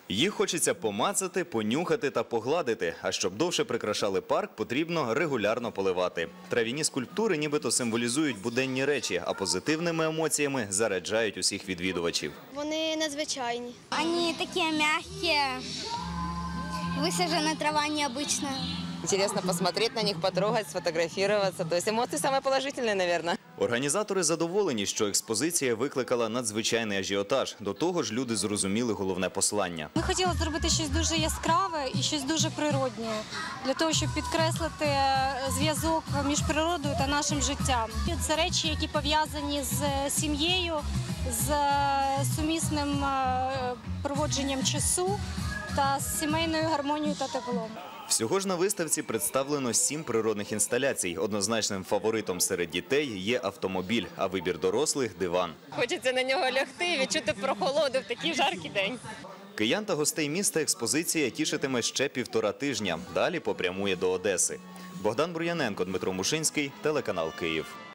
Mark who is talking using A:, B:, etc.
A: Їх хочеться помацати, понюхати та погладити. А щоб довше прикрашали парк, потрібно регулярно поливати. Трав'яні скульптури нібито символізують буденні речі, а позитивними емоціями заряджають усіх відвідувачів.
B: Вони надзвичайні.
C: Вони такі м'які, висаджена трава необычная.
D: Интересно посмотреть на них, потрогать, сфотографироваться. То есть эмоции самые положительные, наверное.
A: Організатори задоволені, що експозиція викликала надзвичайний ажіотаж. До того ж, люди зрозуміли головне послання.
E: Ми хотіли зробити щось дуже яскраве і щось дуже природнє, для того, щоб підкреслити зв'язок між природою та нашим життям. Це речі, які пов'язані з сім'єю, з сумісним проводженням часу та з сімейною гармонією та теплом.
A: Всього ж на виставці представлено 7 природних інсталяцій. Однозначним фаворитом серед дітей є автомобіль, а вибір дорослих – диван.
D: Хочеться на нього лягти і відчути прохолоду в такий жаркий день.
A: Киян та гостей міста експозиція тішитиме ще 1,5 тижня. Далі попрямує до Одеси. Богдан Бур'яненко, Дмитро Мушинський, телеканал «Київ».